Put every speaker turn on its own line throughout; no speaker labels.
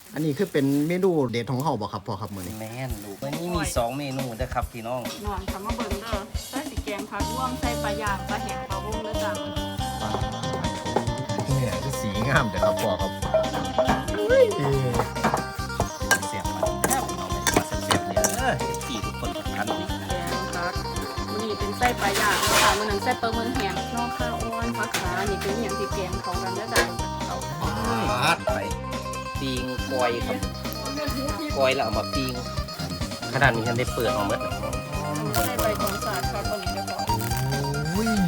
อันนี้คือเป็นเมนูเด็ดของเขาบ่ครับพ่อครับมื้อนี้
แม่นลูกวันนี้มี2เมนูนะครับพี่น้อง
นอนทำมาเบิ่งเด้อใส่สีแกงผักร่วมใส่ปลาย่างปลาแห้งปลาวงเด้อจ้ะ
เนี่ยคือสีงามเด้อครับพ่อครับ
เสียบมันแซ่บพี่น้องเลยมาเสียบเนี่ยที่ทุกคนทุกท่านนี่
แกงผักมื้อนี้เป็นไส้ปลาย่างค่ะมื้อนั้นไส้ปลาเมืองแห้งนอกข้าวอ้วนผักขานี่เป็นอย่างที่แกงของกันเด้อจ้ะ
เอาไปปิ้งกอยครับกอยแล้วเอามาปิ้งขนาดนี้ฉันได้เปิดออกมาแล้ว
ใส่ใบตองสาดค่ะคนนี้จะบอก
อุ้ย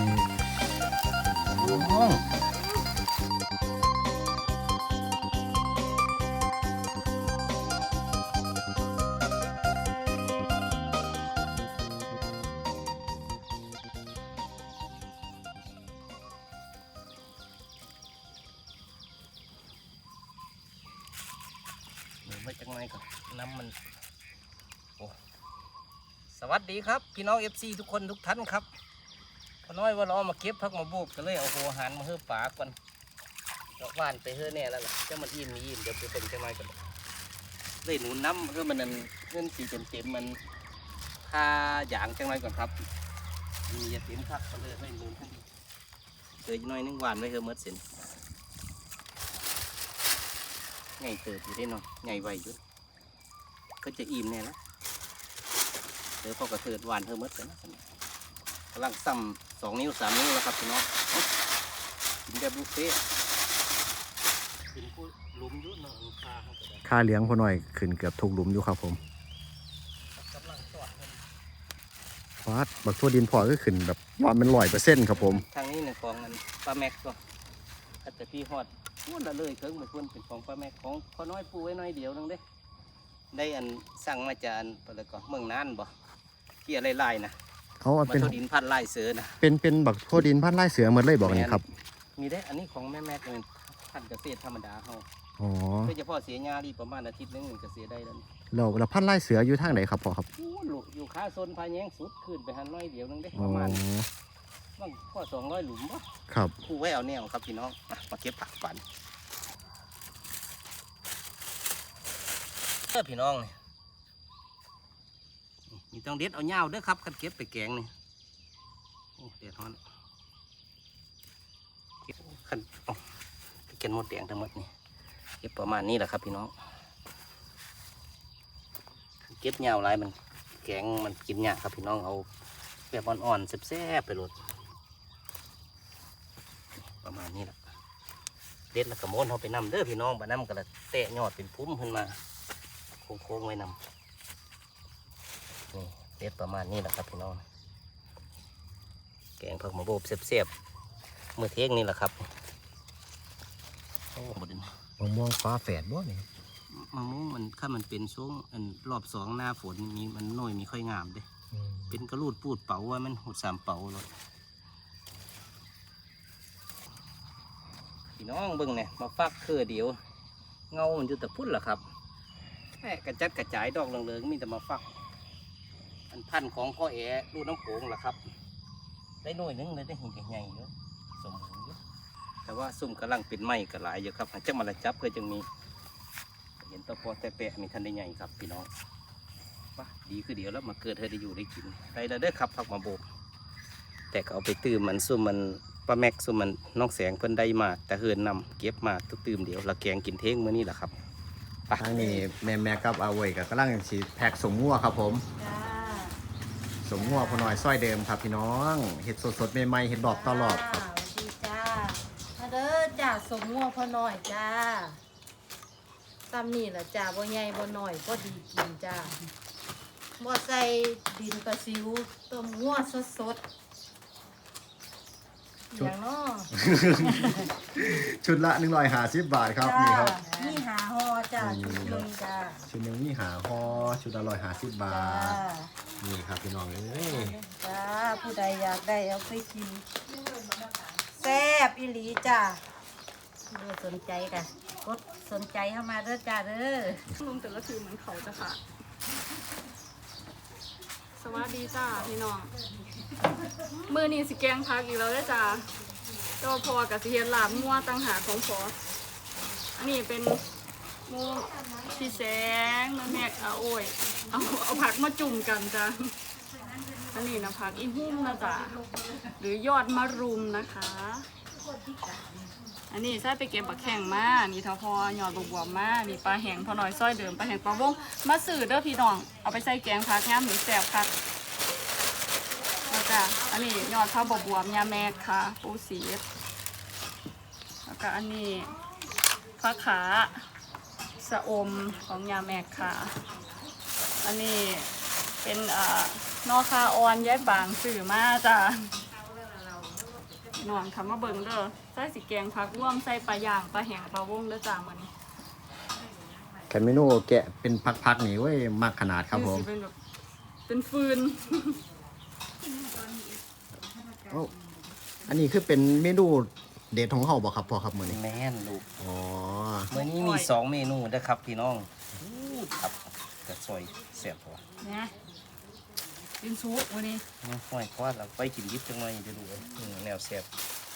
เดี๋ยวไว้จังไงก่อนน้ำมันโอ้สวัสดีครับพี่น้อง FC ทุกคนทุกท่านครับพอน้อยว่าเรามาเก็บพักมาบุกก็เลยเอาหัวหันมาเฮือป่าก่อนดอกว่านไปเฮือแน่แล้วล่ะจะมันอิ่มเดี๋ยวไปเป็นจังไงก่อนเลยหนูน้ำเพื่อมันนั่นเงินสีเต็มมันค่าอย่างจังไงก่อนครับมีอย่าเต็มคักก็เลยให้หนูขึ้นดีเลยน้อยนึงหวานไว้เฮือเมื่อเสร็จไงเติบอยู่ได้หน่อยไงไวอยู่ก็จะอิ่มแน่แล้วเดี๋ยวพอกระเทิดหวานเธอเมื่อเลยนะกำลังซ้ำ2 นิ้ว 3 นิ้วแล้วครับพี่น้องกินแบบบุฟเฟ่กินผู้ลุมยุ่นเนาะค่าเขาก็ได้
ค่าเลี้ยงพ่อหน่อยขึ้นเกือบทุกหลุมอยู่ครับผม
กำลังสอดมัน
ฟาดบักทั่วดินพ่อก็ขึ้นแบบว่ามัน100%ครับผม
ทางนี้เนี่ยของมันปลาแม็กก็ถ้าแต่พี่ฮอดพูดละเลยเครื่องมาพูดเป็นของปลาแม็กของพอน้อยปูไว้น้อยเดียวนึงเด้ได้อันสั่งมาจากอันอะไรก็เมืองน่านบ่ที่อะไรไล่นะ
เขาเอา
มา
เป็น
โทดินพันไล่เสือนะ
เป็นบักทั่วดินพันไร่เสือหมดเลยบอกนี่ครับ
มีได้อันนี้ของแม่แม็กเป็นพันเกษตรธรรมดาเขา
อ๋อ
โดยเฉพาะเสียหญ้าดีประมาณอาทิตย์นึงมันก็เสียได้แล้ว
แล้วพันไร่เสืออยู่ทางไหนครับพ่อครับ
โอ้ลูกอยู่ขาโซนพายแยงสุดขึ้นไปหันน้อยเดียวนึงได้
อ๋
ป
อ
ระมาณบางข้อ200 หลุมบ่
ครับ
คู่ไว้เอาแนวครับพี่น้องมาเก็บผักปันพี่น้องนี่มีต้องเด็ดเอาเหย้าเด้อครับคันเก็บไปแกงนี่โอ้เด็ดฮ้อนเก็บคันเอาไปเก็บหมดแดงทั้งหมดนี่เก็บประมาณนี้แหละครับพี่น้องเก็บเหย้าหลายมันแกงมันกินยากครับพี่น้องเอาแบบอ่อนๆแซ่บๆไปโหลดประมาณนี้แหละเด็ดแล้วก็โม้นเขาไปนำเด้อพี่น้องบ้านน้ำก็ละแตะยอดเป็นพุ่มขึ้นมาโค้งๆไว้นำนี่เด็ดประมาณนี้แหละครับพี่น้องแกงผักมะโบกเสียบๆมือเที่ยงนี่แหละครับโอ้หมดเลย
มะม่วงฟ้าแฝดบ่นี่
มะม่วงมันถ้ามันเป็นช่วงรอบ2หน้าฝนมีมันน้อยมีค่อยงามเด้เป็นกระลูดปูดเป๋าว่ามันหด3 เป๋าเลยพี่น้องเบิ่งเนี่ยมาฟักคือเดียวเงามันอยู่แต่พุ่นล่ะครับแค่กระจัดกระจายดอกเหลืองๆมีแต่มาฟักอันพันธุ์ของพ่อแอ๋ลูกน้ำโขงล่ะครับได้หน่วยหนึงเลยได้เห็นใหญ่ๆเยอะสมบูรณ์เยอะแต่ว่าซุ่มกำลังเป็นไม้ก็หลายอยู่ครับจะมาละจับเพื่อจึงมีเห็นตะปอแต่แปะมีทันได้ใหญ่ครับพี่น้องว่าดีคือเดี๋ยวแล้วมาเกิดเธอได้อยู่ได้กินได้แล้วเด้อครับผักมาโบกแต่ก็เอาไปตื้มมันซุ่มมันปลาแม็กซุ่มมันน้องแสงเพิ่นได้มาแต่เฮินนำเก็บมาตุกตื้มเดี๋ยวละแกงกินเท้งมื้อนี้แหละครับ
ทางนี้แม่กับอาเวยกับกำลังสิแพ็กสมงัวครับผม
จ้า
สมงัวพ่อหน่อยซอยเดิมครับพี่น้องเห็ดสดๆใหม่ๆเห็ดดอกตลอดครับ
สวัสดีจ้ามาเด้อจ้าสมงัวพ่อน้อยจ้าซ้ำนี่แหละจ้าบ่ใหญ่บ่น้อยก็ดีกินจ้าบ่ใส่ดินประสิวต้มงัวสดๆอย่างน้อ
ชุดละ150 บาทครับนี่ครับ
นี่หาห่อจ้าชุดหนึงจ้า
ชุดหนึงนี่หาห่อชุดละ150 บา
จ้า
ทนี่ครับพี่น้องเอ้ย
จ้าผู้ใดอยากได้เอาไปกินแซ่บอีหลีจ้าเด้อสนใจกันกดสนใจเข้ามาเด้อจ้าเด้อ
ลุงแต่ละทีเหมือนเขาจะค่ะสวัสดีจ้าพี่น้องมือนี้สิแกงผักอีกแล้วเด้อจ้าเจ้าพอกับสิเฮ็ดลาบงัวต่างหากของพออันนี้เป็นมูพี่แสงแม่แม่เอาโอ้ยเอาผักมาจุ่มกันจ้ะอันนี้นะผักอีหุ่มนะจ๊ะหรือยอดมะรุมนะคะ อันนี้ใส่ไปเก็บบักแข่งมานี่ทอพอยอดบวบมานี่ปลาแห้งพอหน่อยซ้อยเดิมปลาแห้งปลาวงมาสื่อเด้อพี่น้องเอาไปใส่แกงผักย่ำหรือแซ่บผักแล้วก็อันนี้ยอดข้าวบวบยาแมกค่ะปูสีแล้วก็อันนี้ผักขาสะอมของยาแมกค่ะอันนี้เป็นนอคาออนย้ายบางสื่อมาจ้ะนอนคำว่าเบิ่งเด้อใส่สีแกงผักร่วมใส่ปลาย่างปลาแห้งปลาวงเด้อจ้ามื้อนี้
แค่เมนูแกะเป็นพักๆนี่เว้ยมากขนาดครับผม
สิเป็นแบบเป็นฟืน
โอ้อันนี้คือเป็นเมนูเด็ดของเขาบ่ครับพ่อครับมื้อนี้
แม่นลูก
อ๋อ
มื้อนี้มี2เมนูนะครับพี่น้องครับกระซอยแซ่บพอ
นะกินซุปมื้อนี้
ห้อยคว้าเราไปกินยิบจังหน่อยเดี๋ยวดูเลยแนวแซ่บ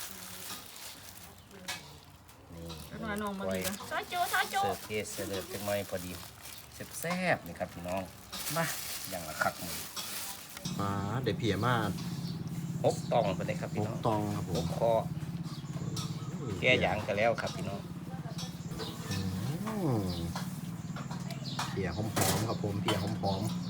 นี่
แล้วมาน้องมาดีกันซาโจซาโจ
เสิร์ฟเทสเสิร์ฟจังหน่อยพอดีแซ่บๆนี่ครับพี่น้องมาอย่างละคักมือ
มาเดี๋ยวเพียมา
6ตองไปเลยครับพี่น้อง
ตองครับผม
6คอแก้ยางกันแล้วครับพี่น้อง
อืมเพียหอมๆครับผมเพียหอม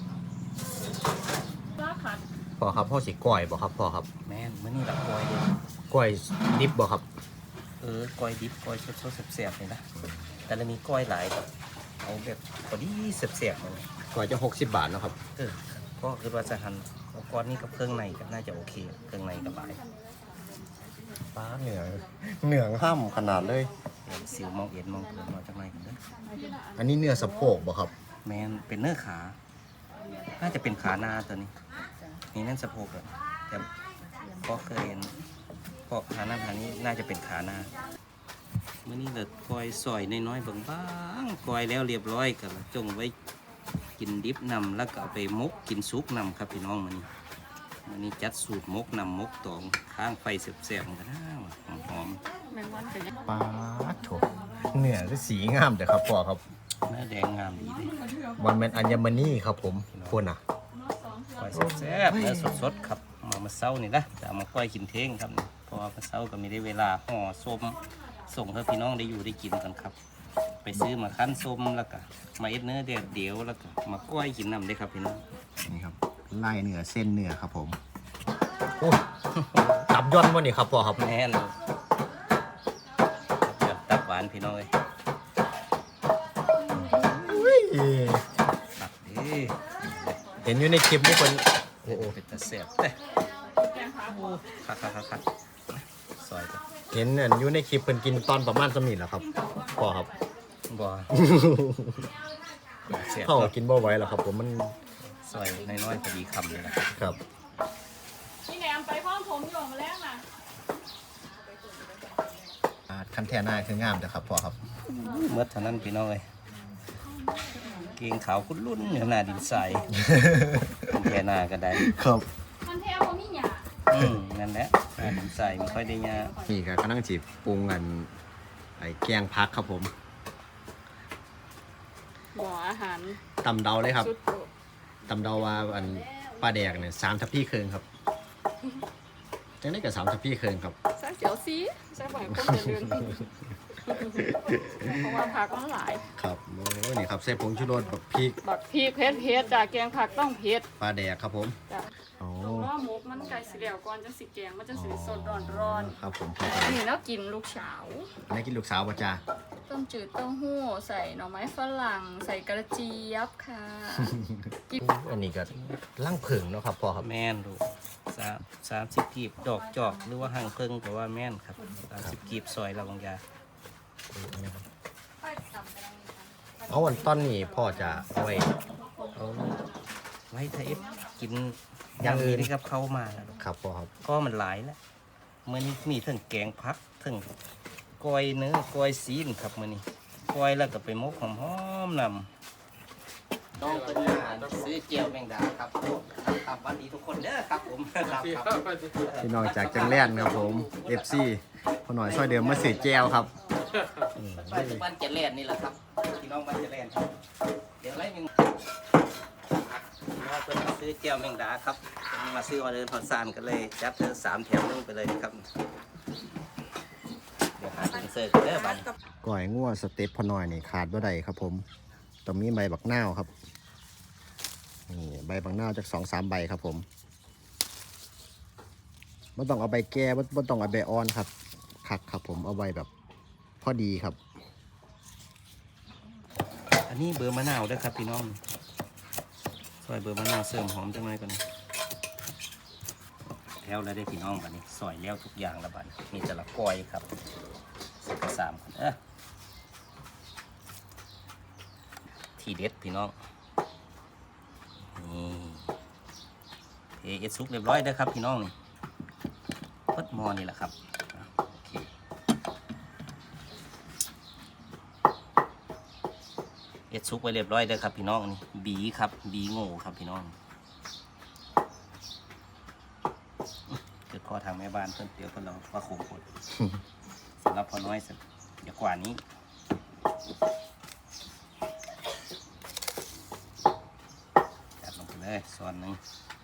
ปลาขัด
ๆพ่อครับพ่อสิก้อยบ่ครับพ่อครับ
แม่นมื้อนี้ละกอยเลย
ก้อยดิบบ่ครับ
กอยดิบกอยสดๆแซ่บๆนี่นะแต่ละมีกอยหลายครับเอาแบบพอดีแซ่บๆเลย
ก้อยจะ60 บาทเนาะครับ
ก็คือว่าจะหั่นเอาก้อนนี้กับเครื่องในก็น่าจะโอเคเครื่องในกับหลาย
ป้าเหนืองห้ำขนาดเลย
เดี๋ยวสิวมองเอ็นมองเกินมาจากไหนกันเด้อ
อันนี้เนื้อสะโพกบ่ครับ
แมนเป็นเนื้อขา น่าจะเป็นขาหน้าตัวนี้นี่นั่นสะโพกอะแต่ก็เคยเห็นพอกขาหน้าขานี้น่าจะเป็นขาหน้าเมื่อนี้เด็ดกอยซอยน้อยๆบางๆกอยแล้วเรียบร้อยกันจงไว้กินดิบนำแล้วก็เอาไปมกกินซุปนำครับพี่น้องมันนี้จัดสูตรมกนำมกตองข้างไฟแซ่บๆกันนะหอม
แมงวันเป็นยัง
ป้าโถเนื้อคือสีงามแต่ครับพ่อครับ
ๆเนื้อแดงงามดีเลย
วันแมนอัญมณีครับผมควรอ่ะ
ก้อยแซ่บๆเนื้อสดๆครับมาเศร้านี่นะจะเอามาก้อยกินเท้งครับเพราะว่ามาเศร้าก็ไม่ได้เวลาห่อส้มส่งให้พี่น้องได้อยู่ได้กินกันครับ ไปซื้อมาคั้นส้มแล้วก็มาเอ็ดเนื้อเดียวแล้วก็มาก้อยกินนำได้ครับพี่น้อง
นี่ครับไล่เนื้อเส้นเนื้อครับผมโอ้ตับย่อนวะนี่ครับพ่อครับ
แน่นเดือดตับหวานพี่น้องเลยตับดี
เห็นอยู่ในคลิปนี่คนโอ้โห
เป็นตะเสียบเด้
แกงผัก
คักซอยจ้ะ
เห็นอันอยู่ในคลิปเพิ่นกินตอนประมาณสมิธแหละครับพ่อครับ
บ่เสียบ
เข้ากินบ่ไหวหรอกครับผมมัน
ซอยน้อยๆพอดีคำเลยนะครับ
ครับ
พี่แหนมไปพร้อมผมอยู่มาแล้วน่ะ
คันแท่หน้าคืองามแต่ครับพ่อครับ
เมื่อเท่านั้นพี่น้องเลยเกงขาวคุ้นรุ่นเหนือหน้าดินใสแค่หน้าก็ได้
ครับ
มันแท้บ่มีหยา
นั่นแหละหน้าดินใสไม่ค่อยได้ยา
นี่ก็กำลังจีบปรุงกันไอ้แกงพักครับผม
บ่ออาหาร
ตำเดาเลยครับ
สุดโปรด
ตำเดาว่าอันปลาแดกเนี่ย3 ทัพพีครึ่งครับจังได้กับ3 ทัพพีครึ่งครับ
ใส่เจียวซีใส่บ่อยคนจะเลือนเพราะว่าผักมันหลาย
ครับโอ้นี่ครับใส่ผงชูรสแบบพริก
บักพริกเผ็ดจ้ะแกงผักต้องเผ็ด
ปลาแดกครับผม
จ้ะ
โอ้
เพราะว่าหมกมันไก่สีเหลวก่อนจังสิแกงมันจะสีสดร้อน
ครับผม
ๆอันนี้แล้วกินลูกเฉา
อันนี้กินลูกสาวป่ะจ้า
ต้มจืดเต้าหู้ใส่หน่อไม้ฝรั่งใส่กระเจี๊ยบค่ะ
อันนี้ก็ล่างผึ่งเนาะครับพ่อครับ
แม่นดู30กีบดอกจอกหรือว่าห่างเพิ่งแต่ว่าแม่นครับ30กีบซอยเราบางยา
เอาวันต้นนี้พ่อจะเอาไว้
เอาไว้ถ้าเอฟกิน
อย่างอื่น
ที่กับเข้ามาแล้ว
ครับพ่อครับ
ก็มันหลายแล้วเมื่อนี้มีทั้งแกงพักทั้งกอยเนื้อกอยซีนครับมื่อนี้กอยแล้วก็ไปมกหอมๆนำต้องเป็นซื้อเจียวแมงดาครับครับวันดีทุกคนเด้อครับผมครับ
พี่น้องจากจังแล่นครับผม FC พอหน่อยซอยเดิมมาสื่อแจวครับ
ปัจจุบันจะแล่นนี่แหละครับพี่น้องบ้านจะแล่นครับเดี๋ยวไล่หนึ่งเราก็มาซื้อเจียวแมงดาครับมาซื้อออเดอร์ทอดซานกันเลยจัดเธอ3 แถมนึงไปเลยครับเดี๋ยวหาถึงเสิร์ฟกันเด้อบัด
ก้อยงัวสเต็ปพอน้อยนี่ขาดบ่ได้ครับผมต้องมีใบบักนาวครับนี่ใบบักนาวจาก2-3 ใบครับผมไม่ต้องเอาใบแก่ไม่ต้องเอาใบอ่อนครับคักครับผมเอาใบแบบพอดีครับ
อันนี้เบอร์มะนาวด้วยครับพี่น้องซอยเบอร์มะนาวเสริมหอมจังเลยก่อนแล้วได้พี่น้องบัดนี้ซอยแล้วทุกอย่างแล้วบัดนี้มีแต่ละก้อยครับ3คนทีเด็ดพี่น้องนี่เอซุกเรียบร้อยเด้อครับพี่น้องนี่พดหม้อนี่แหละครับโอเคเอซุกไว้เรียบร้อยเด้อครับพี่น้องนี่บีครับบีโง่ครับพี่น้องเกิดข้อทางแม่บ้านเพิ่นเดี๋ยวเพิ่นเราว่าโขงกดสำหรับพอน้อยสักอย่ากว่านี้จัดลงไปเลยส่วนหนึ่ง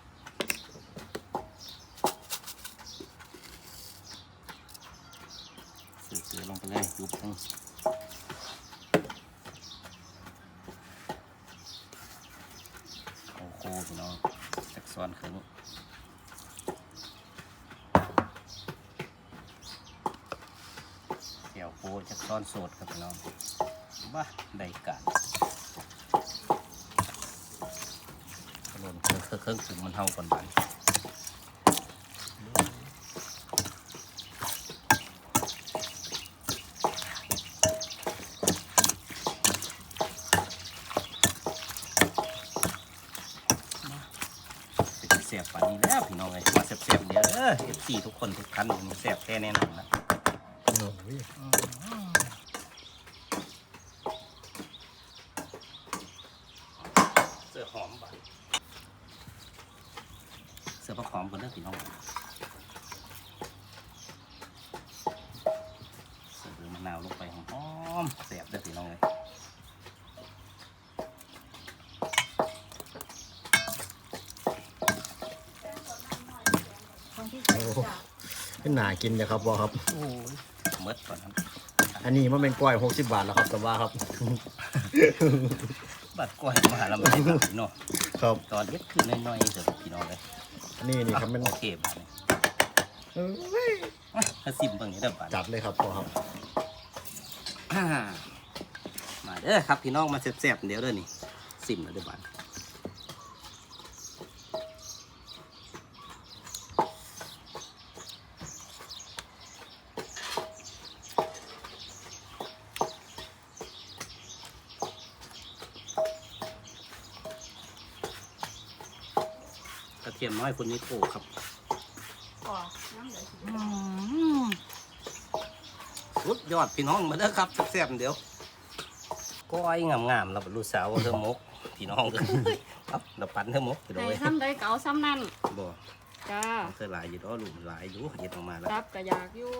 เสือลงไปเลยยุบนึงโอ้โหพี่น้องสักส่วนครึ่งเดี๋ยวโคจะซ้อนโสดครับพี่น้องบ้าได้การกระโดดเครื่องถึงมันเท่าก่อนบันเสียบป่านนี้แล้วพี่น้องเลยมาเสียบเดี๋ยวFC ทุกคนทุกท่านมันเสียบแค่แน่นอนนะเสือหอมบ่เสือผักหอมคนเด้อพี่น้องเสือมะนาวลงไปหอมเสียบเด้อพี่น้องเลย
เป็นหนากินเลยครับบอครับ
โอ้ยเมดก่อนครับ
อันนี้มันเป็นก้อย60 บาทแล้วครับแต่ว่าครับ
บัดก้อยมาแล้วไม่ได้หนักเนาะ
ครับ
ตอนเล็กขึ้นน้อยๆเถอะพี่น้องเลย
นี่ครับเป็น
โอเคบาดนี้ถ้าซิมเบิ่งนี้เด้อบาด
จัดเลยครับบอครับ
มาเด้อครับพี่น้องมาแซ่บๆเดี๋ยวเด้อนี่ซิมแล้วเด้อบาดกระเทียมน้อยคนนี้โตครับ
อ๋อน้ำเหลือสิ
สุดยอดพี่น้องมาเด้อครับแซ่บๆเดี๋ยวก้อยงามๆเราเป็นลูกสาวเธอมกพี่น้องเลยครับเราปั่นเธอมกพี่น้อง
ได้
เลย
ซ้ำได้เก่าซ้ำนั่น
บ่
จ้า
เธอหลายอยู่ด้อลูกหลายอยู่เย็ดออกมาแล้ว
รับก็อยากอยู่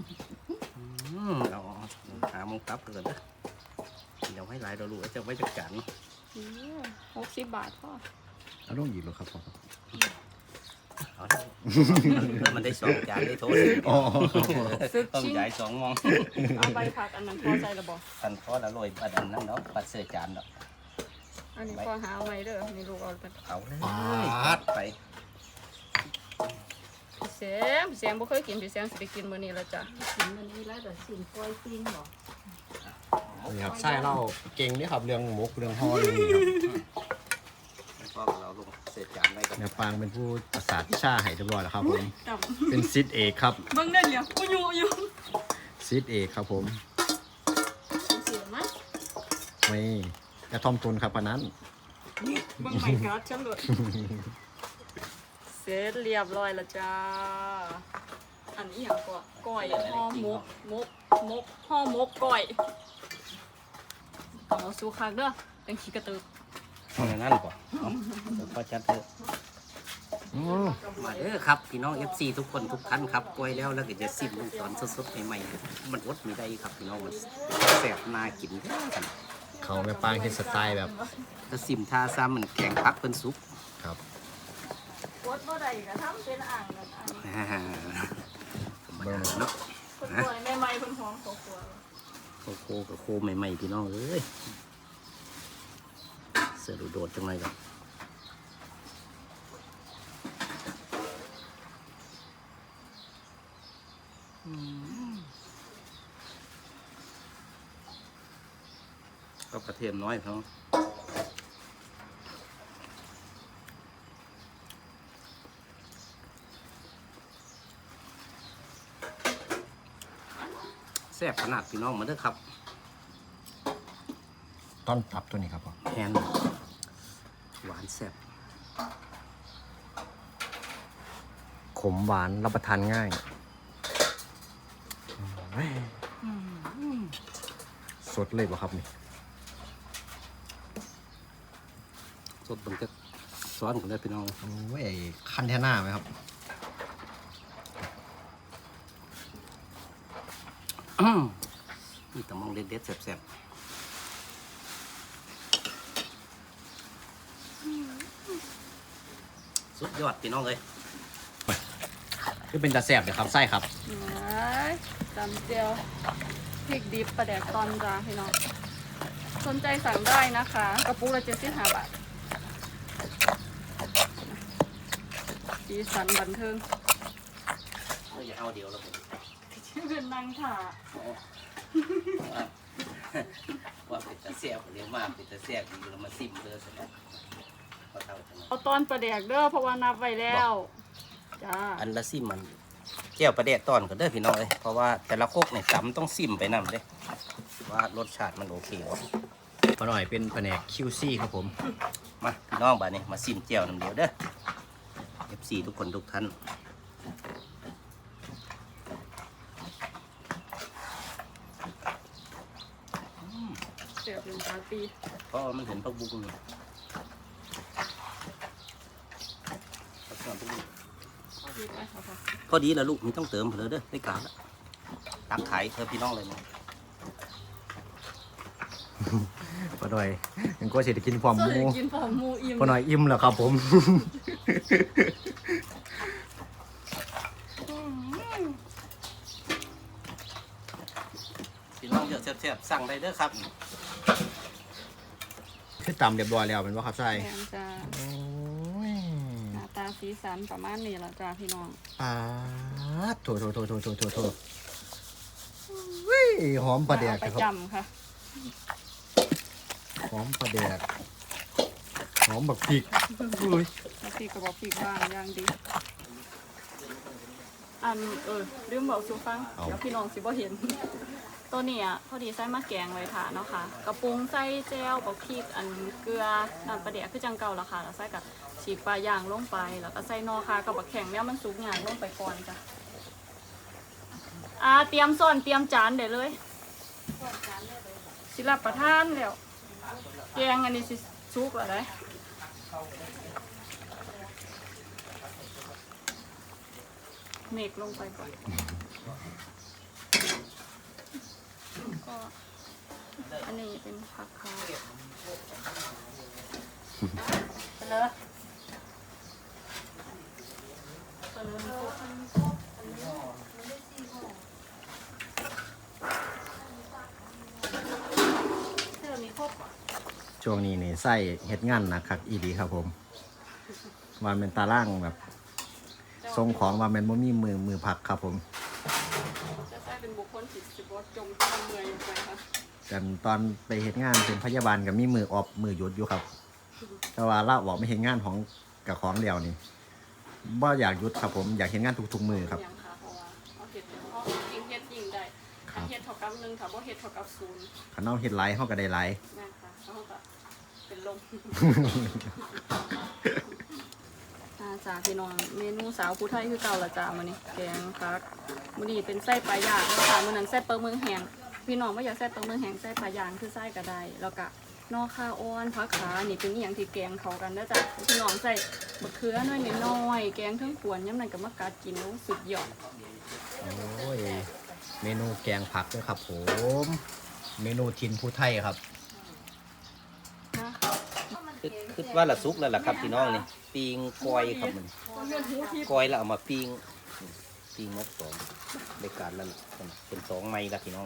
เอาหามงตับกันเด้อเดี๋ยวให้หลายเราลูกจะไว้จัดการ
60 บาทพ่อ
เอาลงหยิบเลยครับบอครับ
เอาเถอะมันได้2 จานได้โถสิ
อ๋อ
ต้องใหญ่2 มอง
เอาใบผักอันนั้นพอใส่ระบอก
พันพอละโรยปัดอันนั้นเนาะปัดเสื้อจานเนาะ
อันนี้พอหาเอาไหมเด้อนี่ลูกเอาไป
เอาเลย
ปาด
ไป
พี่แสงบ่เคยกินพี่แสงสิไปกินมื้อนี้แล้วจ้ะ
กินมันนี้แล้วเดี๋ยวสินก้อยปิ้งเหรอ
นี่ครับไส้เล่าเก่งนี่ครับเรื่องหมกเรื่องห่อเรื่องนี้ครับ
แล้วก็เราลงเสื้อจานได้กัน
แม่ปางเป็นผู้ประสาทวิชาให้เรียบร้อยแล้วครับผม
จับ
เป็นซิดเอกครับ
เบิ่งได้เหลียวกูอยู่
ซิดเอกครับผม
เสียมั้ย
ไม่กระทอมทุนครับพนัน
เบิ่งใหม่การ์ดฉันเลยเสร็จเรียบร้อยแล้วจ้าอันนี้อย่างก่อนก้อยห่อหมกห่อหมกก้อยต้องเอาสู้คักเด้อเป็นขี้กระตือ
เอาอย่างนั้นป่ะเอาเดี๋ยวพอจัดเถอะ
อืม
มาเด้อครับพี่น้อง FC ทุกคนทุกท่านครับกล้วยแล้วก็จะซิมลงตอนสดๆใหม่ๆมันอดไม่ได้ครับพี่น้องมันแซ่บน่ากินแท้กัน
เขาแม่ปางเฮ็ดสไตล์แบบ
ถ้าซิมทาซ้ำมันแข็งพักเป็นซุป
ครับ
กดบ่ได้ก็ทำเป็นอ่างนั่นอันนี้
ธรรมดาเนาะ
คนป่วยใหม่ๆเพิ่นหอมครอบครัว
โคกับโคใหม่ๆพี่น้องเอ้ยเสือดูโดดจังเลยครับก็กระเทียมน้อยพี่น้องแซ่บขนาดพี่น้องมาเด้อครับ
ต้อนตับตัวนี้ครับผม
แฮนหวานแซ่บ
ขมหวานรับประทานง่ายสดเลยป่ะครับนี่
สดมันก็ซ้อนกันได้พี่น้อง
โอ้ยคันแท่หน้าไหมครับ
นี่ตะมองเด็ดๆแซ่บๆสุดยอดพี่น้องเลย
คือเป็นตาแสบเลยครับไส้ครับ
ตำเจียวพริกดิบปลาแดกตอนจ้าพี่น้องสนใจสั่งได้นะคะกระปุกละ75 บาทสีสันบันเทิง
เราอย่าเอาเดียวแล้วผม
ชื่อเป็นนางถา
ว่าเป็นตะเสียบเรียกมากเป็นตะเสียบดีเรามาซิมเลยเสร็จแล้วพอเท่าจังเลย
เอาตอนปลาแดกเด้อเพราะว่านับไว้แล้วจ้า
อันละซิมมันแก้วประเดะตอนก็เด้อพี่น้องเลยเพราะว่าแต่ละโคกเนี่ยตำต้องซิมไปนำเลยว่ารสชาติมันโอเคบ่
พอหน่อยเป็นแผนก QC ครับผม
มาพี่น้องบ้านนี้มาซิมแก้วน้ำเดียวเด้อ FC ทุกคนทุกท่าน
เสียบเป็นปาร์ตี้
เพราะว่ามันเห็นพักบุ้งนี่พักบุ้ง
เอาดีไปค่ะ
พอดีแล้วลูกไม่ต้องเติมเลยเด้อได้การแล้วตักขายเธอพี่น้องเลยนะ
พอหน่อยยังก็เสร็จกินพร้อมห
ส่วน
มู
ใหญ่กินผอมหมูอิ่ม
พอหน่อยอิ่มแล้วครับผม
พี่น้องเยอะแซ่บๆสั่งได้เด้อครับ
คือตำเรียบร้อยแล้วเป็นว่าครับไส้
แกงจ้า
โอ้ย
หน้าตาสีสันประมาณนี้ละจ้าพี่น้อง
โถอุ้ยหอมปลาแดก
เอไป
ครับ
จำค่ะ
หอมปลาแดกหอมแบบพริกอุ้ย
แล้วพี่ก็บอกพี่บ้างอย่างดีลืมบอกสูฟังเดี๋ยวพี่น้องสิบ่เห็น ตัวนี้อ่ะพอดีใส่มาแกงไว้ค่ะเนาะค่ะกระปุงใส่แจ่วบักพริกอันเกลือน้ำปลาแดกคือจังเก่าละค่ะแล้วใส่กับฉีกปลาย่างลงไปแล้วก็ใส่นอค่ะกับบักแข็งเนี่ยมันสุกงานลงไปก่อนจ้ะเตรียมซ่อนเตรียมจานเดี๋ยวเลยสิรับประทานแล้วแกงอันนี้สิสุกแล้วได้เมกลงไปก่อนก็อันนี้เป็นผักเขาไปเลย
ช่วงนี้นี่ไส้เฮ็ดงานนะครับอีดีครับผมวันเป็นตาล่างแบบทรงของว่าแมันบ่มีมือผักครับผม
จะใช้เป็นบุคคลผิดสิบวัจมที่เมื่อยลงไปค่ะ
กันตอนไปเฮ็ดงานเป็นพยาบาลกับมีมือออบมือหยุดอยู่ครับ แต่ว่าเราบอกไม่เฮ็ดงานของกับของเดียวนี่บ่อยากหยุดครับผมอยากเฮ็ดงานทุกๆมือครับ
ยังค่ะเพราะว่าเอาเห็ดเดี๋ยวเขายิงเห็ดยิงได้ถ้าเห็ดเท่ากับ1ถ้าบ่เห็ดเท่ากับ0
คันเอาเฮ็ดหลายเฮาก็ได้หลาย
นะคะเขาก็เป็นลม จ้าพี่น้องเมนูสาวผู้ไทยคือเก่าละจ้ามื้อนี้แกงคักมื้อนี้เป็นไส้ปลาย่างนะคะมื้อนั้นไส้ปลาหมึกแห้งพี่น้องบ่อยากไส้ปลาหมึกแห้งไส้ปลาย่างคือไส้ก็ได้แล้วก็นอคาออนผักขานี่เป็นอหย่างที่แกงเขากันนะจ๊ะพี่น้องใส่มะเขือน้อยน้อยๆแกงทั้งขวนย้ำนั่นกับมะกาดกินแล้วสุดยอด
โอ้ยเมนูแกงผักด้วยครับผม เมนูทินผู้ไทยครับ
นะ
คือว่าละซุกแล้วล่ะครับพี่น้องนี่ปิ้งกอยครับมันกอยแล้วเอามาปิ้งนกสองในการแล้วล่ะเป็นสองไม้ละพี่น้อง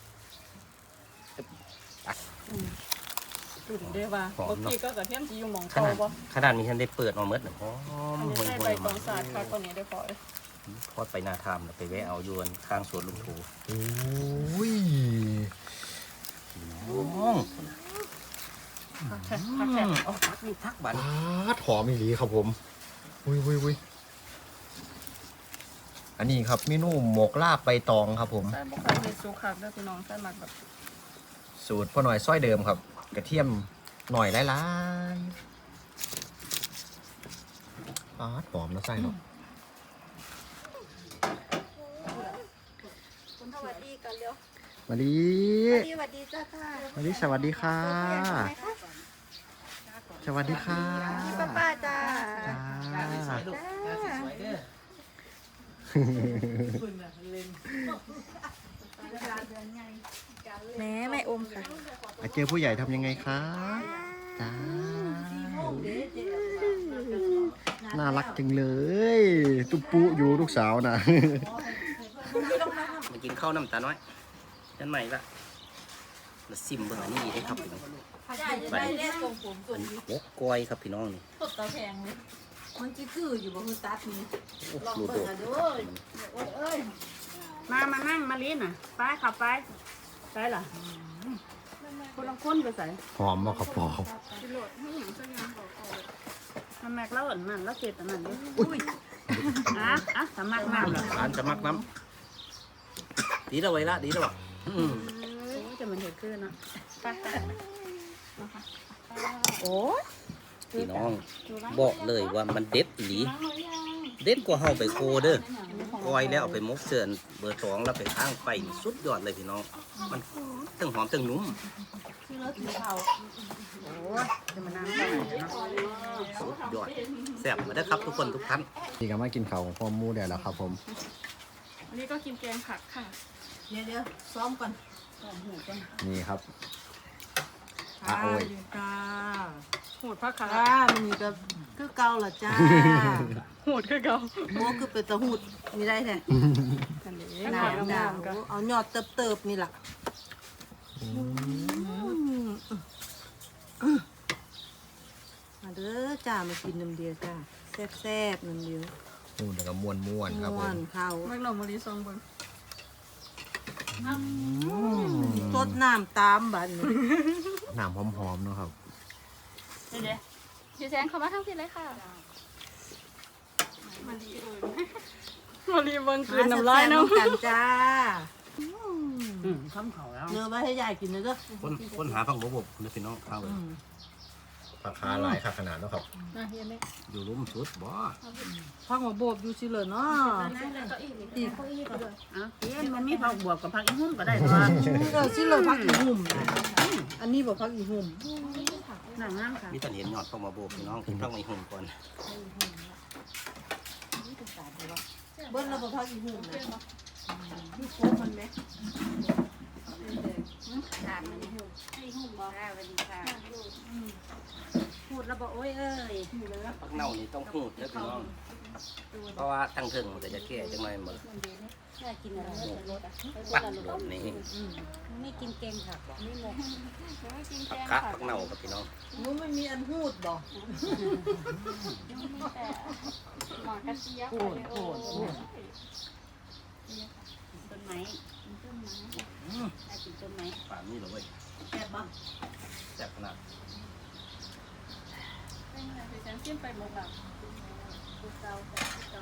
ดูดิเด้อว่า
หอม
เมื่อ
เนาะ
กี้ก็กระเทียมจีอยู่หมอง
ข
เตา
นาด
บ่
ขนาดนี้ฉันได้เปิดมาเมื่อหอม
อันนี้
ห่วย
ใส่
ห่
ใบ
วย
ต
มา
องสาดค่ะตอนนี้ได้พอเลย
ทอดไปนาทามแล้วไปแวะเอายวนข้างสวนลุงถู
โอ้ย
น้อง
ผักแท้ผักแท้
เอาทักนี่ทักบัน
ปาดหอมอีหลีครับผมวุ้ยอันนี้ครับเมนูหมกลาบใบตองครับผม
ใส่บ่ค่อยเฮ็ดสุกคักเด้อพี่น้องใส่หมักแบบ
สูตรพ่อหน่อยซ้อยเดิมครับ กระเทียมหน่อยหลายๆปาดหอมนะไส้เนาะ
สวัสดีกันเร็ว
มาลี
สวัสดีจ้าค่ะ
มาลีสวัสดีค่ะ สวัสดีค่ะ
ป้าจ้า
จ้า
แม่ไม่อมค่ะ
เจอผู้ใหญ่ทำยังไงคะจ้าน่ารักจังเลย ตุ๊ปุอยู่ลูกสาวนะ
มากินข้าวน้ำตาน้อยนั่นใหม่ละมาซิมเบิ่งอันนี้ได้ครับพี่น้อง
ได้เล่นตรงผมตร
อั
ง
น
นี้
หมกกอยครับพี่น้องนี่
ตบตาแพงเลยมันจะคืออยู่บนตัดนี่
โอ้
ลอง
ดู
เบิ่
โด
ง
ด
อ่ะเด้อเอ้ย
มานั่งมาลิ้นน่ะไปขับไปใส่ล่ะคนละคนไปใส่
หอมมากครับพอ
สิโหลดให้หยังสักอย่างบอกเอาเลยมันแม็กแล้วอันนั้นแล้วเจ็ดอันนั้นดิอุ้ยสมัครน้ำเหรอ
ร้านจะมักน้ำดีแล้วไว้ละดีแล้วบ่อืม
จะมันเห็ดขึ้นนะไป
โอ้ย
พี่น้องบอกเลยว่ามันเด็ดอีหลีเด็ดกว่าเฮาไปโคเด้อกอยแล้วเอาไปมกเสือนเบอร์สองแล้วไปข้างไปนี่สุดยอดเลยพี่น้องมันทั้งหอมทั้งนุ่ม
คือรถสีเทา
จะมานั่งได้เนาะ
สุดยอดแซ่บมาเด้อครับทุกคนทุกท่าน
นี่ก็มากินข้าวของพ่อหมูได้แล้วครับผม
อันนี้ก็กินแกงผักค่ะ
เดี๋ยวซ้อมก่อน
นี่ครับโอ้ย
จ้า
โหดผักขา
จ้ามันนี่ก็คือเก่าล่ะจ้า
โหดคือเก่า
โมคือเป็นตะหูดมีได้แท้
กันเด้
หนา
น้ำ
หนา
น้ำกัน
เอายอดเติบๆนี่ล่ะมาเด้อจ้ามากินน้ำเดียวจ้าแซ่บๆน้ำเดียว
มูนแล้วก็ม้วนๆครับผ
ม่ว
ม
นข้าว
เมื่อเรามารีซองเบิ่ง
สดน้ำตามบัดน
น้ำหอมๆเนาะครับ
เดี๋ยวพี่แซงเข้ามาทั้งทีเลยค่ะมารีเบิ่งคืนน้ำลายเนาะ
กันจ้า
ข้ามเขาแล้ว
เนื้อไว้ให้ยายกินนะเด้อ
คนหาฟังบบนะพี่น้องข้าว
ราคาหลายขนาดเนาะครับ
อยู่ลุ่มสุดบ่
พักมาโบบอยู่สิเลยเนาะอีก
มันมีผักบวบกับผักอีหุ่มก็ได้ตัว
สิเลยพักอีหุ่มนะอันนี้บอกพักอีหุ่ม
หนังงามค่ะ
มีแต่เห็นยอดฟังมาโบกพี่น้องกินต้องในหุ่นก่อน
เบิ้ลเราบอกพักอีหุ่มนะนี่โคกมันไหม
พูดแล้วบอกโอ้ยเอ้ย
ปักเน่านี่ต้องหูดนะพี่น้องเพราะว่าตั้งเทิงมันก็จะแก่จังเลยหมด
กินอะไรรสอ่ะ
ปักโดดนี่
ไม่กินเกงผักหรอกไม่งง
ปักคะปักเน่ากับพี่น้อง
มันไม่มีอันหูดบอก
หมอกระเจี๊ยบ
ต้นไม้ต้นไม้ได้กินต้นไม้
ป่านนี้เหรอเว้ย
แซ่บบ้าง
แซ่บขนาด
พี่แซงจิ้มไปหมดแบบตุ๊กเตาตุ๊กเตา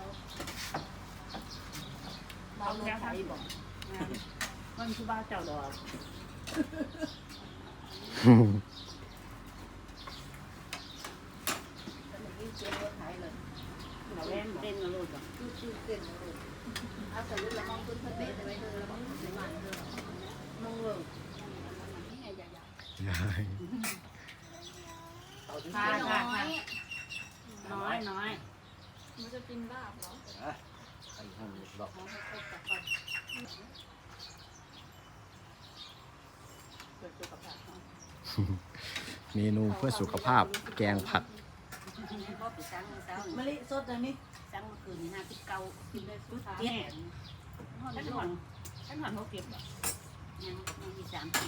เมาลงไฟบอก
มันคือบ้าเจ้าดอกเราเล่น
เต้นมาโลดอ่ะ
เอาใส่ลูกละมองต้นทะเลแต่ไม่เธอละมองต้นไม้เธอมองเลย
ใช่
ค่ะค่ะค่ะ
น้อยน้อยมันจะกินลาบเหรอ
อ่ะไปห้องดอก
เกิดสุขภาพเนาะ
เมนูเพื่อสุขภาพแกงผัก
พ่อไปสั่งเช้าม
ะลิสดอันนี้
สั่งเมื่อคืนนี่59กินได้ปุ๊บ
เจ็
เจ็
ด
ด
ฉันหอนเขาเก็บแบบ
ยังมี3ปี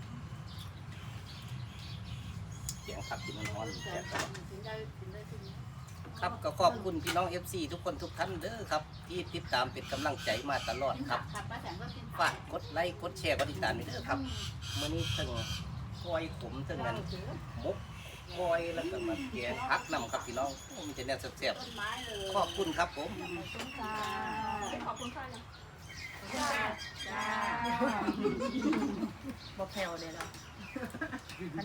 เสียงขับกินมันร้อนแซ่บครับ
กินได้กิน
ครับก็ขอบคุณพี่น้อง FC ทุกคนทุกท่านเด้อครับ ที่ติดตามเป็นกำลังใจมาตลอดครับ
ครับป้าแสงก็กิน
ฝากกดไลค์กดแชร์กดติดตามด้วยเด้อครับมื้อนี้ถึงกล้อยขมถึงนั้นมุกกล้อยแล้วก็มาแกงผักนำครับพี่น้องโอ้มันจะแน่แซ่บ
ต้นไม้เลย
ๆขอบคุณครับผม
ขอบคุณค่ะ
บ่แผ่วเลยล่ะ